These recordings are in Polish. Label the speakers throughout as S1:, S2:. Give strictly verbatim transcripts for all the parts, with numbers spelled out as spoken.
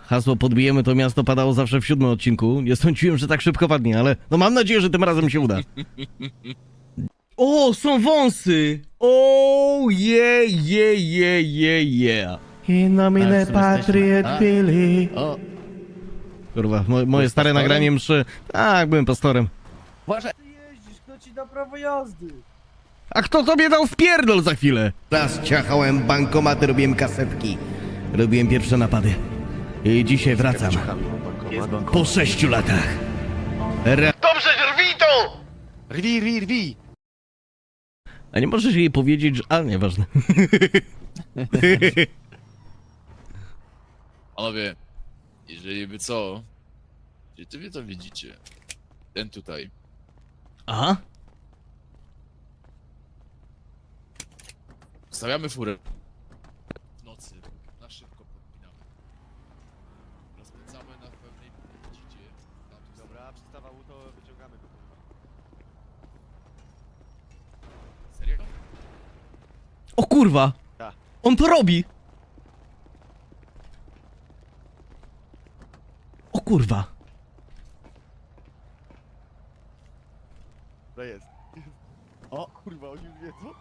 S1: hasło podbijemy to miasto padało zawsze w siódmym odcinku. Nie sądziłem, że tak szybko padnie, ale no mam nadzieję, że tym razem się uda. O, są wąsy! O, je, je, je, je, je. In nomine Patri et Filii. O. Kurwa, mo moje stare pastorem? Nagranie mszy. Tak, byłem pastorem.
S2: Uważaj!
S3: Ty jeździsz, kto ci da prawo jazdy?
S1: A kto tobie dał wpierdol za chwilę? Raz ciachałem bankomaty, robiłem kasetki. Robiłem pierwsze napady. I dzisiaj wracam. Po sześciu latach. Re Dobrze, rwij to!
S2: Rwi, rwi, rwi!
S1: A nie możesz jej powiedzieć, że... A, nieważne.
S4: Panowie, jeżeli by co, gdzie ty wy to widzicie? Ten tutaj.
S1: Aha.
S4: Stawiamy furę. W nocy, na szybko podpinamy. Rozpędzamy na pewnej dzidzie.
S2: Dobra, przystawał to wyciągamy go.
S4: Serio?
S1: O kurwa!
S2: Tak.
S1: On to robi! O kurwa!
S2: To jest. O kurwa, oni już wiedzą?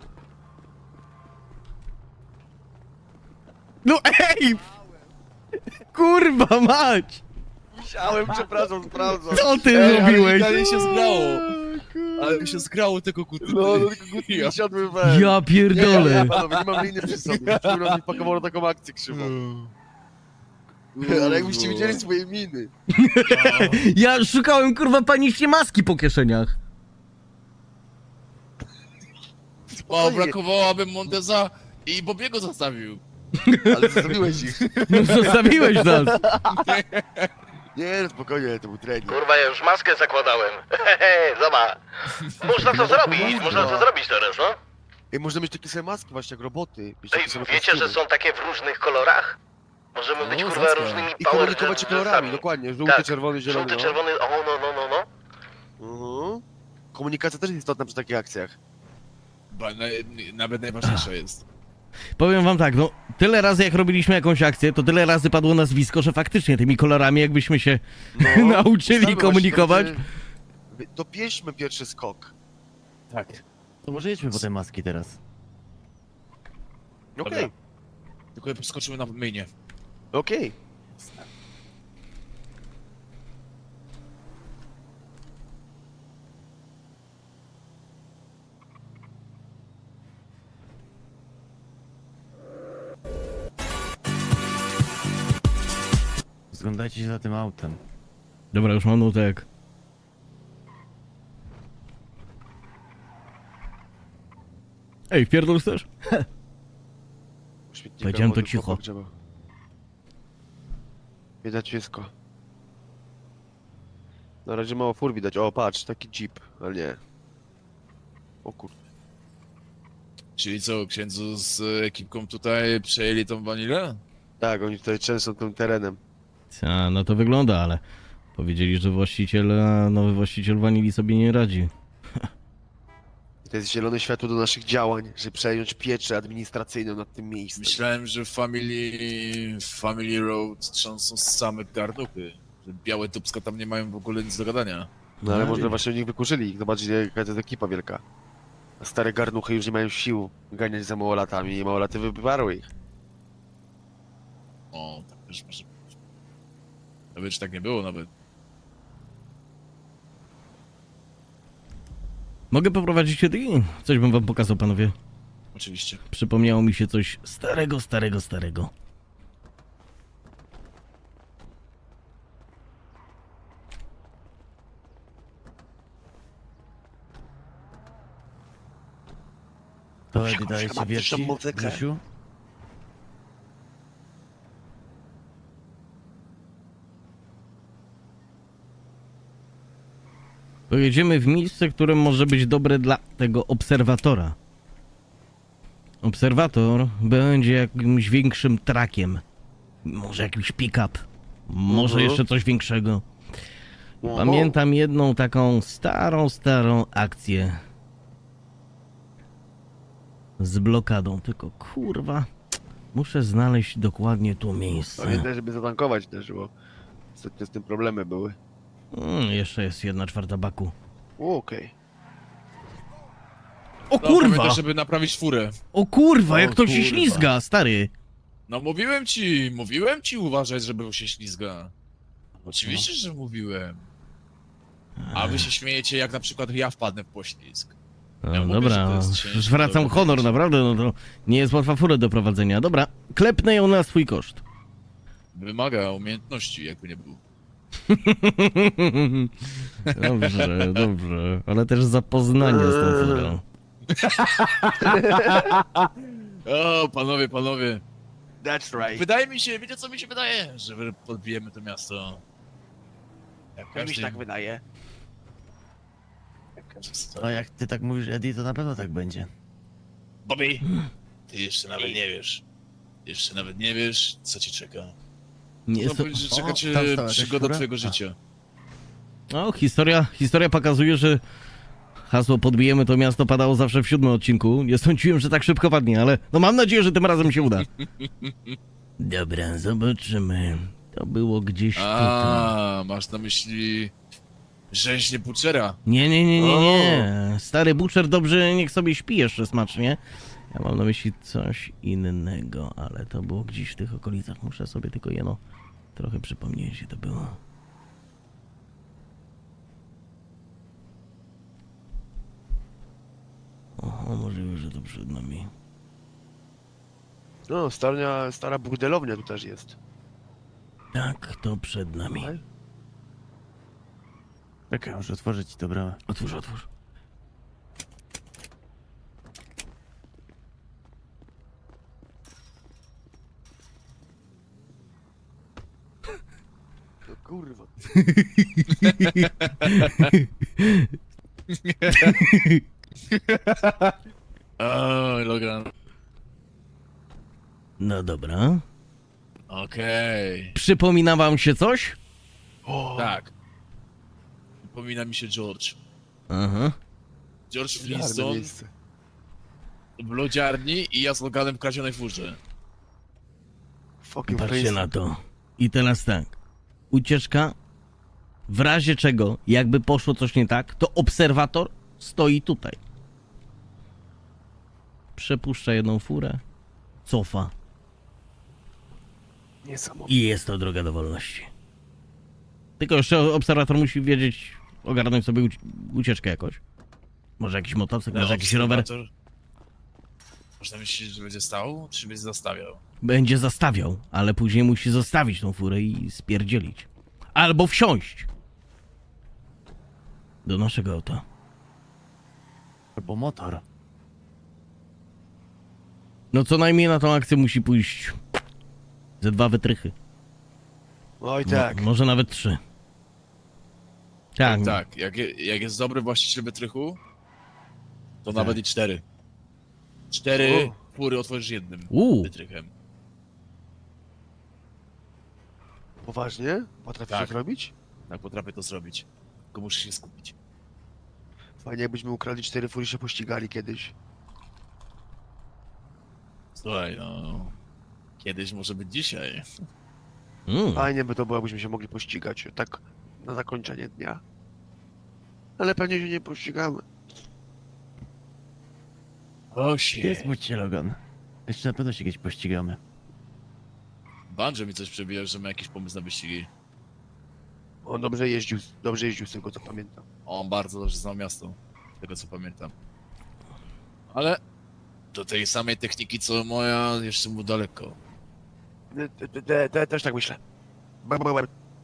S1: No ej! Kurwa mać!
S2: Musiałem, przepraszam, sprawdzam.
S1: Co ty
S4: Ej,
S1: zrobiłeś?
S4: ale mi się zgrało. Ale mi się zgrało tego kuty.
S2: No, no tylko gutki
S4: Ja.
S2: ja. siadły we.
S1: Ja pierdolę!
S2: Panowie, nie mam liny przy sobie. Kurwa mi pakowało na taką akcję krzywą. Ale jakbyście widzieli swoje miny.
S1: Ja szukałem kurwa panicznie maski po kieszeniach.
S4: O, brakowało, abym Monteza i Bobiego zostawił.
S2: Ale zostawiłeś ich.
S1: No zostawiłeś nas.
S2: Nie, no spokojnie, to był trening.
S5: Kurwa, ja już maskę zakładałem. Hehe, zobacz. Można to zrobić, można to zrobić teraz, no.
S2: Ej, można mieć takie same maski właśnie jak roboty. Mieć
S5: Ej,
S2: takie same
S5: wiecie, że
S2: kostiumy.
S5: są takie w różnych kolorach? Możemy być,
S4: O,
S5: kurwa,
S4: zacka.
S5: różnymi
S2: I
S5: power
S2: komunikować się kolorami,
S5: rangers-ami.
S2: dokładnie. Żółty,
S5: Tak.
S2: czerwony, zielony.
S5: Żółty,
S2: no.
S5: czerwony, o, no, no, no, no.
S2: Mhm. Komunikacja też jest istotna przy takich akcjach.
S4: Ba, na, nawet najważniejsza jest.
S1: Powiem wam tak, no tyle razy jak robiliśmy jakąś akcję, to tyle razy padło nazwisko, że faktycznie tymi kolorami jakbyśmy się nauczyli
S2: ustalmy
S1: komunikować.
S2: właśnie, to będzie- Dopieśmy pierwszy skok.
S4: Tak.
S6: To może jedźmy po te maski teraz.
S2: Okej,
S4: Dobra. Tylko skoczymy na mainie.
S2: okej.
S6: Zglądajcie się za tym autem.
S1: Dobra, już mam nutek. Ej, wpierdol chcesz?
S2: Śmietnika
S1: Powiedziałem to
S2: wody
S1: cicho.
S2: chłopak trzeba. Widać wszystko. Na razie mało fur widać. O, patrz, taki jeep, ale nie. O kur...
S4: Czyli co, księdzu z ekipką tutaj przejęli tą wanilę?
S2: Tak, oni tutaj często tym terenem.
S1: A, no to wygląda, ale powiedzieli, że właściciel, a nowy właściciel wanili sobie nie radzi.
S2: I to jest zielone światło do naszych działań, żeby przejąć pieczę administracyjną nad tym miejscem.
S4: Myślałem, że w Family, w Family Road trzęsą same garnuchy. Że białe dubska tam nie mają w ogóle nic do gadania.
S2: No ale
S1: No
S2: może
S1: i-
S2: właśnie ich wykurzyli. Zobaczcie, jaka to jest ekipa wielka. A stare garnuchy już nie mają sił ganiać za małolatami i małolaty wyparły ich.
S4: O, tak też może być. Nawet czy tak nie było nawet.
S1: Mogę poprowadzić się i coś bym wam pokazał, panowie.
S4: Oczywiście.
S1: Przypomniało mi się coś starego, starego, starego.
S6: To Edi daje ci
S2: mam
S6: wierci,
S2: też tą muzykę.
S6: Grzesiu?
S1: Pojedziemy w miejsce, które może być dobre dla tego obserwatora. Obserwator będzie jakimś większym trakiem. Może jakiś pick-up. Może
S2: Mhm.
S1: jeszcze coś większego.
S2: No,
S1: Pamiętam jedną taką starą, starą akcję. Z blokadą, tylko kurwa. Muszę znaleźć dokładnie to miejsce.
S2: Pamiętaj, żeby zatankować też, bo ostatnio z tym problemy były.
S1: Mm, jeszcze jest jedna czwarta baku.
S2: O, Okej.
S1: O
S4: No,
S1: kurwa!
S4: pamiętaj, żeby naprawić furę.
S1: O kurwa, jak
S6: O
S1: to się
S6: kurwa.
S1: ślizga, stary!
S4: No mówiłem ci, mówiłem ci uważać, żeby się ślizga. Oczywiście, że mówiłem. A wy się śmiejecie, jak na przykład ja wpadnę w poślizg.
S1: No,
S4: Ja mówię, że
S1: dobra,
S4: to jest
S1: no,
S4: ciężko
S1: zwracam
S4: do
S1: honor,
S4: wyjścia.
S1: naprawdę, no to nie jest łatwa furę do prowadzenia. Dobra, klepnę ją na swój koszt.
S4: Wymaga umiejętności, jakby nie był.
S1: Dobrze, dobrze, ale też zapoznanie z tą furą.
S4: O, panowie, panowie.
S2: That's right.
S4: Wydaje mi się, wiecie co mi się wydaje? Że wy- podbijemy to miasto. Jak
S2: Jak mi się
S4: każdy,
S2: tak wydaje.
S4: jak każdy chce.
S6: No jak ty tak mówisz, Eddie, to na pewno tak będzie.
S4: Bobby, ty jeszcze nawet nie wiesz. Jeszcze nawet nie wiesz, co ci czeka.
S1: Nie
S4: Chcę
S1: jest to...
S4: powiedzieć, że
S6: O,
S4: czeka cię
S6: tam stała jakaś
S4: przygoda
S6: fura?
S4: twojego
S6: A.
S4: życia.
S1: No, historia, historia pokazuje, że hasło podbijemy to miasto padało zawsze w siódmym odcinku. Nie sądziłem, że tak szybko padnie, ale no mam nadzieję, że tym razem się uda. Dobra, zobaczymy. To było gdzieś tutaj.
S4: A, masz na myśli rzeźnie Butchera.
S1: Nie, nie, nie, nie, nie. Stary Butcher dobrze niech sobie śpi jeszcze smacznie. Ja mam na myśli coś innego, ale to było gdzieś w tych okolicach. Muszę sobie tylko jeno trochę przypomnieć, gdzie to było. Oho, możliwe, że to przed nami.
S2: No, stara, stara burdelownia tu też jest.
S1: Tak, to przed nami.
S2: Okej.
S6: Czekaj, muszę otworzyć ci to bramę.
S1: Otwórz, otwórz.
S2: No kurwa.
S4: O, Logan.
S1: No dobra.
S4: Okej.
S1: Przypomina wam się coś?
S2: O,
S4: Tak. Przypomina mi się George.
S1: Aha.
S4: George
S2: czarne
S4: Flintstone
S2: miejsce.
S4: w lodziarni i ja z Loganem w kradzionej furze.
S2: Fucking
S1: Patrzcie
S2: crazy.
S1: na to. I teraz tak. Ucieczka. W razie czego, jakby poszło coś nie tak, to obserwator stoi tutaj. Przepuszcza jedną furę, cofa
S2: Niesamowite.
S1: i jest to droga do wolności. Tylko jeszcze obserwator musi wiedzieć, ogarnąć sobie uci- ucieczkę jakoś. Może jakiś motocykl, może jakiś rower.
S4: obserwator- Można myśleć, że będzie stał, czy będzie zastawiał?
S1: Będzie zastawiał, ale później musi zostawić tą furę i spierdzielić. Albo wsiąść do naszego auta.
S6: Albo motor.
S1: No co najmniej na tą akcję musi pójść ze dwa wytrychy.
S2: Oj
S1: Mo-
S2: tak.
S1: może nawet trzy. Tak,
S4: Tak, tak. Jak, je- jak jest dobry właściciel wytrychu, to nawet i cztery. Cztery
S2: O.
S4: fury otworzysz jednym
S1: Uuu.
S4: wytrychem.
S2: Poważnie? Potrafisz
S4: Tak.
S2: to zrobić?
S4: Tak, potrafię to zrobić. Tylko muszę się skupić.
S2: Fajnie jakbyśmy ukradli cztery fury i się pościgali kiedyś.
S4: Słuchaj, no... Kiedyś może być dzisiaj.
S1: Mm.
S2: Fajnie by to było, jakbyśmy się mogli pościgać. Tak na zakończenie dnia. Ale pewnie się nie pościgamy.
S4: O,
S6: Nie
S4: shit.
S6: smuć się, Logan. Jeszcze na pewno się kiedyś pościgamy.
S4: Banjo mi coś przebija, że ma jakiś pomysł na wyścigi.
S2: On dobrze jeździł, dobrze jeździł z tego co pamiętam.
S4: On bardzo dobrze znał miasto, z tego co pamiętam. Ale do tej samej techniki co moja jeszcze mu daleko.
S2: Te, te, te, te, też tak myślę. Ba, ba, ba.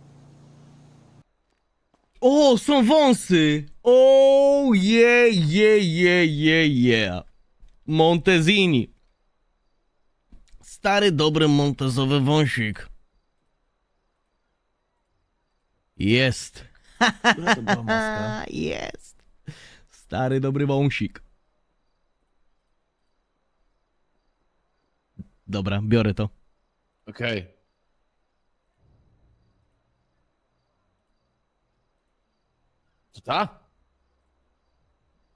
S1: O, są wąsy! O, je, je, je, je, je. Montezini. Stary, dobry montezowy wąsik. Jest.
S6: Która to była maska?
S1: Jest. Stary, dobry wąsik. Dobra, biorę to.
S4: Okej. To ta?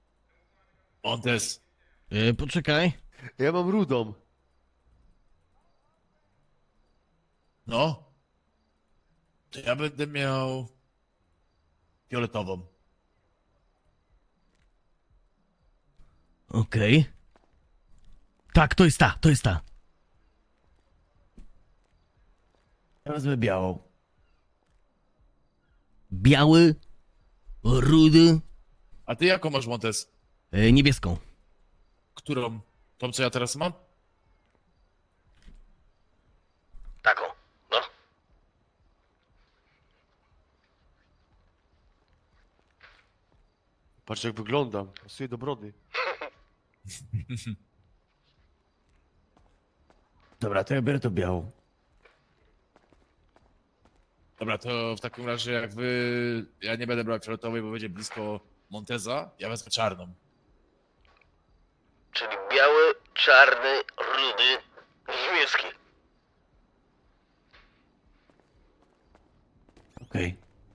S4: Montes.
S1: E, poczekaj.
S2: Ja mam rudą.
S4: No. To ja będę miał... fioletową.
S1: Okej. Tak, to jest ta, to jest ta.
S6: Ja wezmę białą.
S1: Biały, rudy,
S4: A ty jaką masz, Montes?
S1: e, niebieską.
S4: Którą? Tą, co ja teraz mam?
S5: Taką, no.
S2: Patrz jak wyglądam, pasuje do brody.
S6: Dobra, to ja biorę to białą.
S4: Dobra, to w takim razie jak wy... Ja nie będę brał fioletowej, bo będzie blisko Monteza. Ja wezmę czarną.
S5: Czyli biały, czarny, rudy, niebieski.
S6: Okej.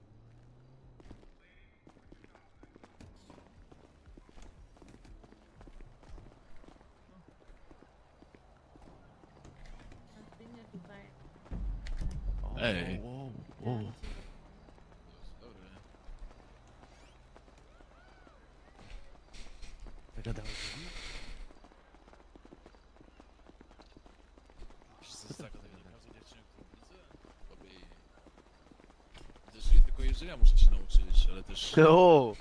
S4: Ej.
S6: O, o, o. Zagadałeś się?
S4: Też nie tylko jeżdżenia muszę się nauczyć, ale też...
S2: O!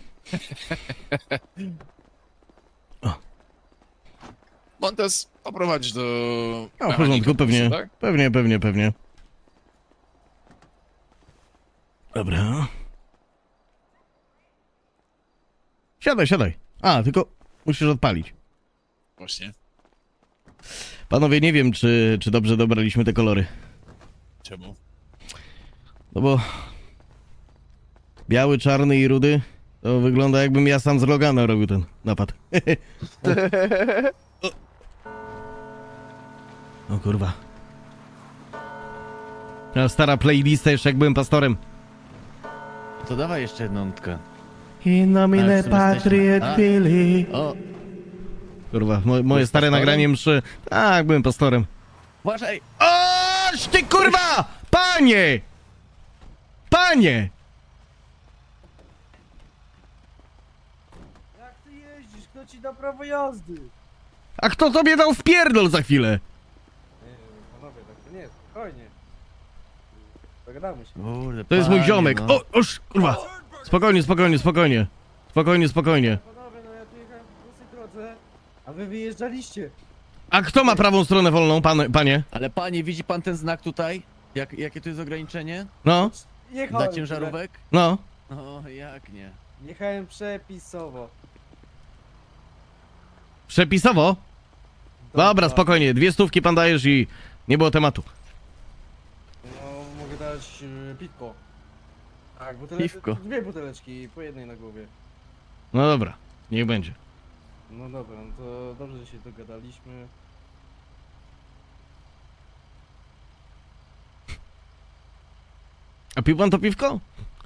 S4: Montes poprowadź do...
S1: A, w
S4: mechanika,
S1: porządku, pewnie.
S4: tak?
S1: Pewnie, pewnie, pewnie. Dobra. Siadaj, siadaj. A, tylko musisz odpalić.
S4: Właśnie.
S1: Panowie, nie wiem, czy, czy dobrze dobraliśmy te kolory.
S4: Czemu?
S1: No bo... Biały, czarny i rudy, to wygląda jakbym ja sam z Logana robił ten napad. o. o kurwa. A stara playlista jeszcze jak byłem pastorem.
S6: To dawaj jeszcze jedną nutkę.
S1: In nomine
S6: Ale w sumie jesteśmy.
S1: Patriot
S6: A.
S1: Filii.
S6: O,
S1: Kurwa, mo moje
S6: Byłeś
S1: stare
S6: pastorem?
S1: nagranie mszy. Tak, byłem pastorem.
S6: uważaj!
S1: Oż ty kurwa! Panie! Panie!
S3: Jak ty jeździsz? Kto ci da prawo jazdy?
S1: A kto tobie dał wpierdol za chwilę?
S3: Nie, panowie, tak to nie, spokojnie. Dogadamy się.
S6: Kurde,
S1: To jest mój
S6: panie,
S1: ziomek.
S6: no.
S1: O, oż, kurwa. Spokojnie, spokojnie, spokojnie. Spokojnie, spokojnie.
S3: Panowie, no ja tu jechałem po prostej drodze, a wy wyjeżdżaliście.
S1: A kto ma prawą stronę wolną, pan, panie?
S6: Ale panie, widzi pan ten znak tutaj? Jak, jakie tu jest ograniczenie?
S1: No,
S3: Jechałem
S6: Dla ciężarówek?
S1: no.
S6: O, jak nie?
S3: Jechałem przepisowo.
S1: Przepisowo? Dobra, spokojnie. Dwie stówki pan dajesz i nie było tematu.
S3: No, mogę dać yy, piwko. Tak, buteleczki.
S6: Piwko.
S3: Dwie buteleczki, po jednej na głowie.
S1: No dobra, niech będzie.
S3: No dobra, no to dobrze, że się dogadaliśmy.
S1: A pił pan to piwko?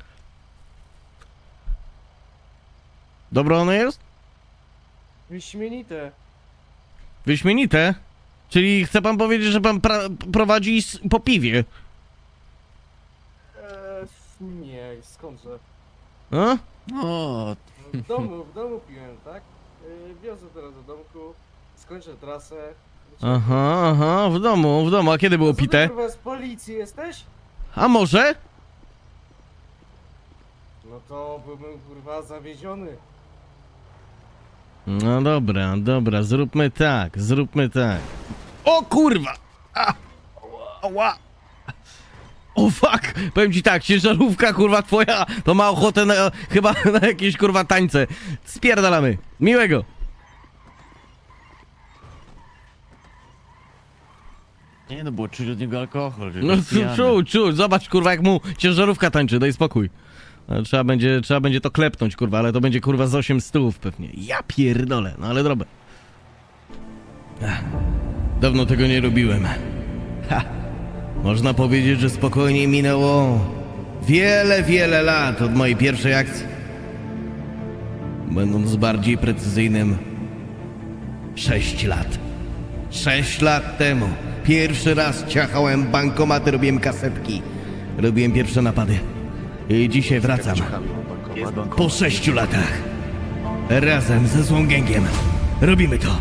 S1: Dobre ono jest?
S3: Wyśmienite.
S1: Wyśmienite. Czyli chce pan powiedzieć, że pan pra- prowadzi s- po piwie?
S3: Eee, nie, skądże?
S1: A?
S6: O,
S3: W domu, w domu piłem, tak? Yy, wiozę teraz do domku, skończę trasę.
S1: Aha, aha, w domu, w domu. A kiedy było
S3: Co ty,
S1: pite?
S3: kurwa, z policji jesteś?
S1: A może?
S3: No to byłbym kurwa zawiedziony.
S1: No dobra, dobra, zróbmy tak, zróbmy tak. O kurwa! A! Ała! O fuck! Powiem ci tak, ciężarówka kurwa twoja to ma ochotę na, chyba na jakieś kurwa tańce. Spierdalamy. Miłego!
S6: nie no, było czuć od niego alkohol. że
S1: No
S6: jest pijany.
S1: czuł, czuł, zobacz kurwa jak mu ciężarówka tańczy, daj spokój. Ale Trzeba będzie, trzeba będzie to klepnąć kurwa, ale to będzie kurwa z osiem stów pewnie. Ja pierdolę, no ale dobra. Ach, dawno tego nie robiłem. Ha. Można powiedzieć, że spokojnie minęło wiele, wiele lat od mojej pierwszej akcji. Będąc bardziej precyzyjnym, sześć lat. Sześć lat temu Pierwszy raz ciachałem bankomaty, robiłem kasetki. Robiłem pierwsze napady. I dzisiaj wracam.
S2: Ciachamy bankomat.
S1: Po sześciu latach. Razem ze złą gęgiem. Robimy to.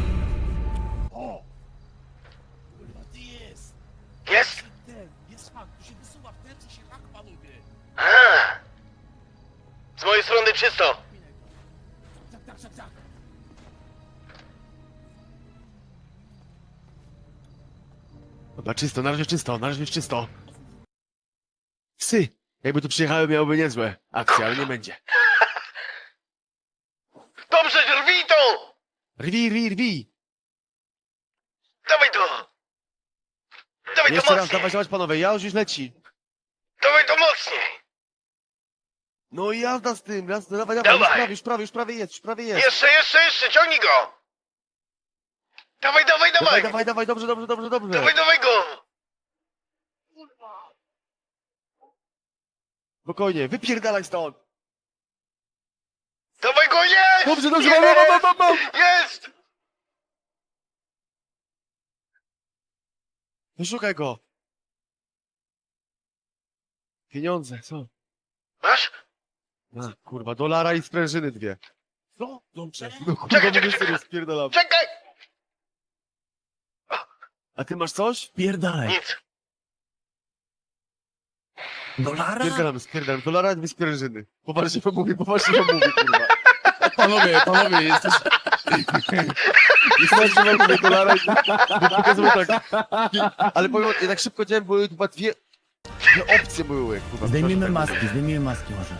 S4: Kurwa, ty jest!
S5: Jest?
S4: Ten, jest hak, tu się wysuwa w terce się hak, panowie!
S5: Aha. Z mojej strony czysto.
S4: Tak, tak, tak, tak!
S2: Dobra, czysto, na razie czysto, na razie jest czysto. Psy! Jakby tu przyjechały, miałoby niezłe akcje, ale nie będzie.
S5: Dobrze, rwij to!
S2: Rwi, rwi, rwi!
S5: Dawaj to! Dawaj to
S2: Jeszcze raz,
S5: mocniej!
S2: dawać, dawać panowie, ja już już leci.
S5: Dawaj to mocniej!
S2: No i jazda z tym, jazda, dawaj, dawaj, już
S5: Dawaj.
S2: prawie, już prawie, już prawie jest, już prawie jest.
S5: Jeszcze, jeszcze, jeszcze, ciągnij go! Dawaj, dawaj,
S2: Dawaj,
S5: dawaj!
S2: dawaj, dawaj, dobrze, dobrze, dobrze, dobrze.
S5: Dawaj, dawaj go!
S2: Spokojnie, wypierdalaj stąd.
S5: Dawaj go, jest!
S2: Dobrze, dobrze,
S5: Jest!
S2: mam, mam, mam, mam, mam.
S5: Jest!
S2: No szukaj go. Pieniądze, co?
S5: Masz?
S2: A, kurwa, dolara i sprężyny dwie.
S4: No, dobrze.
S2: No kurwa,
S5: Czekaj,
S2: mówię
S5: czekaj,
S2: sobie,
S5: czekaj.
S2: spierdalam.
S5: Czekaj!
S2: A ty masz coś?
S6: Pierdalaj.
S5: Nic.
S6: Dolara?
S2: Spierdalam, spierdalam. Dolara i dwie sprężyny. Poważnie wam mówię, poważnie wam mówię, kurwa.
S4: Panowie, panowie, jesteś...
S2: Poważnie wam mówię, dolara i... Pokazuję tak. Ale powiem, ja tak szybko działałem, były chyba dwie... Dwie opcje były, kurwa.
S6: Zdejmijmy
S2: proszę, tak
S6: maski, zdejmijmy maski może.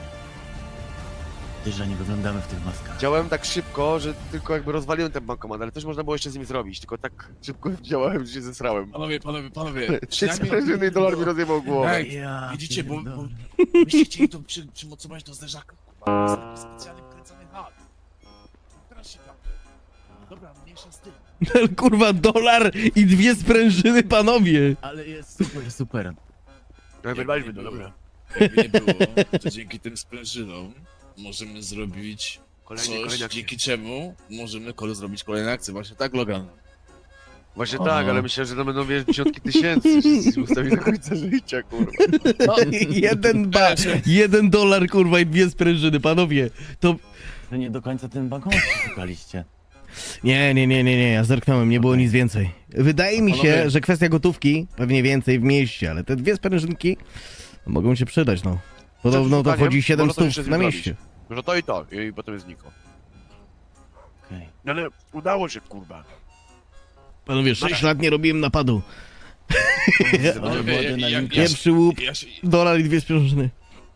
S6: Ty, że nie wyglądamy w tych maskach.
S2: Działałem tak szybko, że tylko jakby rozwaliłem ten bankomat, ale też można było jeszcze z nim zrobić, tylko tak szybko działałem, że się zesrałem.
S4: Panowie, panowie, panowie.
S2: Trzy sprężyny i dolar mi rozjebał głowę.
S4: Ej,
S6: Ja
S4: widzicie, bo, bo
S6: pierdolę.
S4: byście chcieli to przy, przymocować do zderzaka, kurwa. Jest taki specjalny wkręcany hak. Teraz się tam. Dobra, mniejsza z tym.
S1: Kurwa, dolar i dwie sprężyny, panowie.
S6: Ale jest super, super.
S2: Wyrwaliśmy to, dobra.
S4: Jakby nie było, to dzięki tym sprężynom możemy zrobić
S2: Kolejne,
S4: coś,
S2: kolejne akcje.
S4: dzięki czemu możemy kole zrobić kolejne akcje. Właśnie tak, Logan.
S2: Właśnie
S6: Aha.
S2: tak, ale myślę, że to będą wiesz, dziesiątki tysięcy, że się ustawi do końca życia, kurwa.
S1: jeden ba, jeden dolar, kurwa, i dwie sprężyny, panowie. To...
S6: Że nie do końca ten bankomat szukaliście.
S1: Nie, nie, nie, nie, nie, ja zerknąłem, nie było nic więcej. Wydaje mi się,
S4: Panowie.
S1: że kwestia gotówki, pewnie więcej w mieście, ale te dwie sprężynki mogą się przydać, no. Podobno to
S2: Zdaniem,
S1: wchodzi siedem
S2: można to jeszcze
S1: stów
S2: z
S1: na
S2: nim
S1: mieście.
S2: Że to i to, i potem jest znikło.
S6: Okej.
S2: Ale udało się, kurwa.
S1: Panowie, sześć lat nie robiłem napadu.
S6: Ale
S4: Panowie,
S6: była
S4: ja- ja-
S6: adrenalinka.
S4: ja-
S1: Pierwszy łup,
S4: Ja się,
S1: dolar i dwie sprężyny.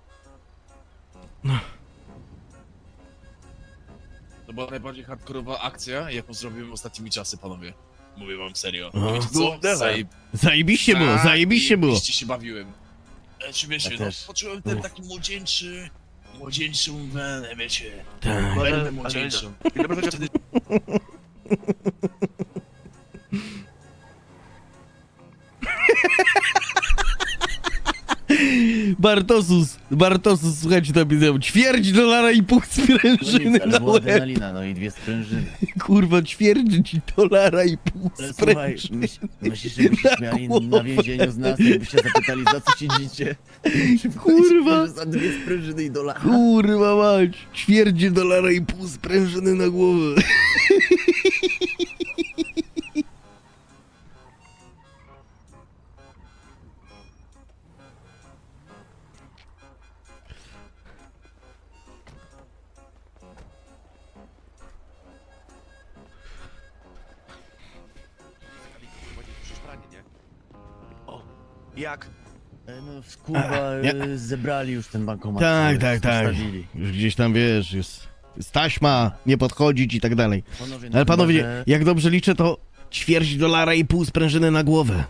S4: to była najbardziej hardkorowa akcja, jaką zrobiłem ostatnimi czasy, panowie. Mówię wam serio.
S1: Aha.
S4: Wiecie
S2: No,
S4: co?
S2: dawaj.
S4: Zajeb...
S1: Zajebiście było,
S4: Tak,
S1: zajebiście było.
S4: zajebiście się bawiłem. E, Śmiesznie,
S6: Ja
S4: no.
S6: też.
S4: Poczułem ten taki młodzieńczy, młodzieńczą wenę, wiecie.
S1: Tak.
S4: Wenę młodzieńczą.
S2: I dobrze, że
S4: Wtedy
S1: Bartosus, Bartosus, słuchajcie, to widzę, ćwierć dolara i pół sprężyny
S6: Ale
S1: na
S6: była
S1: łeb.
S6: adrenalina, no i dwie sprężyny.
S1: Kurwa, ćwierć dolara i pół
S6: Ale słuchaj,
S1: sprężyny.
S6: myśl, myślisz, że by się śmiali na więzieniu z nas, jakbyście zapytali, za co siedzicie?
S1: Kurwa.
S6: Że za dwie sprężyny i dolara.
S1: Kurwa mać, ćwierć dolara i pół sprężyny na głowę.
S2: O, jak?
S6: E, No kurwa,
S1: nie.
S6: e, zebrali już ten bankomat.
S1: Tak,
S6: e,
S1: tak, tak.
S6: zostawili.
S1: Już gdzieś tam, wiesz, jest, jest taśma, nie podchodzić i tak dalej.
S6: Panowie, no
S1: Ale
S6: chyba,
S1: panowie,
S6: że-
S1: jak dobrze liczę, to ćwierć dolara i pół sprężyny na głowę.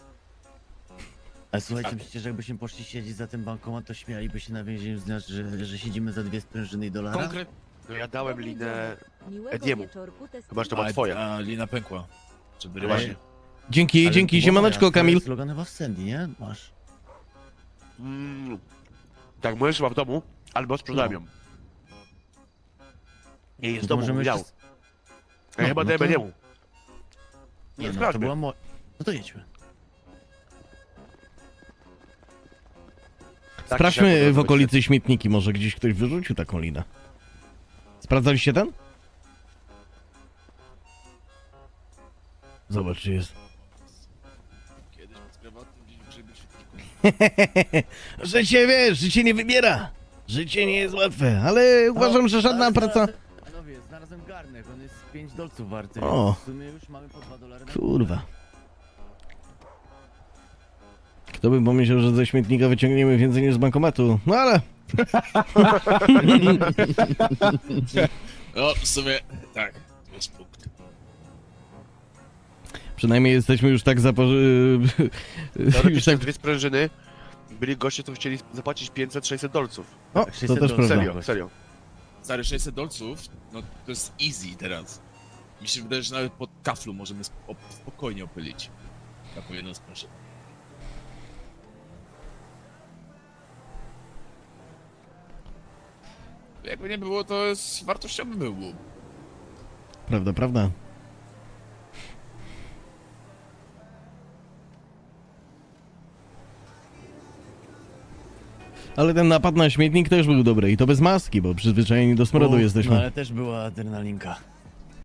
S6: Ale słuchajcie, przecież jakbyśmy poszli siedzieć za ten bankomat, to śmialiby się na więzieniu z nas, że, że siedzimy za dwie sprężyny i dolara?
S4: konkret...
S2: No ja dałem linę...
S7: Miłego
S2: Ediemu.
S7: wieczorku, test-
S2: Chyba, że to była
S4: A,
S2: twoja.
S4: a lina pękła. Żeby
S6: Ale-
S4: właśnie.
S1: Dzięki,
S6: Ale
S1: dzięki,
S6: to była
S1: siemaneczko,
S6: moja,
S1: Kamil.
S6: To jest Loganowa w Sandy, nie? Masz.
S2: Mm. Tak, moja szła w domu, albo sprzedałem
S6: No.
S2: ją. Nie jest w
S6: To
S2: domu,
S6: możemy
S2: miał.
S6: jeszcze-
S2: Ja chyba
S6: no
S2: dałem
S6: to-
S2: jemu.
S6: Nie, no, to
S2: sprawdźmy.
S6: była, mo... No to jedźmy.
S2: Tak, się
S1: Sprawdźmy w
S2: podoba,
S1: okolicy śmietniki, może gdzieś ktoś wyrzucił taką linę. Sprawdzaliście ten? Zobacz, czy jest.
S4: Kiedyś pod prywatnym gdzieś w grzyby świetniku.
S1: Życie, wiesz, życie nie wybiera. Życie nie jest łatwe, ale uważam, że żadna
S6: ale
S1: praca...
S6: znalazłem- Panowie, znalazłem garnek, on jest pięć dolców warty,
S1: O.
S6: więc w sumie już mamy po dwa dolary na...
S1: Kurwa. Kto by pomyślał, że ze śmietnika wyciągniemy więcej niż z bankomatu? No ale...
S4: No, w sumie, tak, to jest punkt.
S1: Przynajmniej jesteśmy już tak zapo... już
S2: Teoretycznie
S1: tak...
S2: dwie sprężyny. Byli goście, co chcieli zapłacić pięćset sześćset dolców.
S1: O, to
S6: sześćset
S1: też prawda.
S2: Serio, serio.
S4: Stary, sześćset dolców, no to jest easy teraz. Mi się wydaje, że nawet pod kaflu możemy spo spokojnie opylić. Taką jedną sprężynę. Jakby nie było, to jest wartościowy był łuk.
S1: Prawda, prawda. Ale ten napad na śmietnik też był dobry i to bez maski, bo przyzwyczajeni do smrodu
S6: Uff,
S1: jesteśmy.
S6: No ale też była adrenalinka.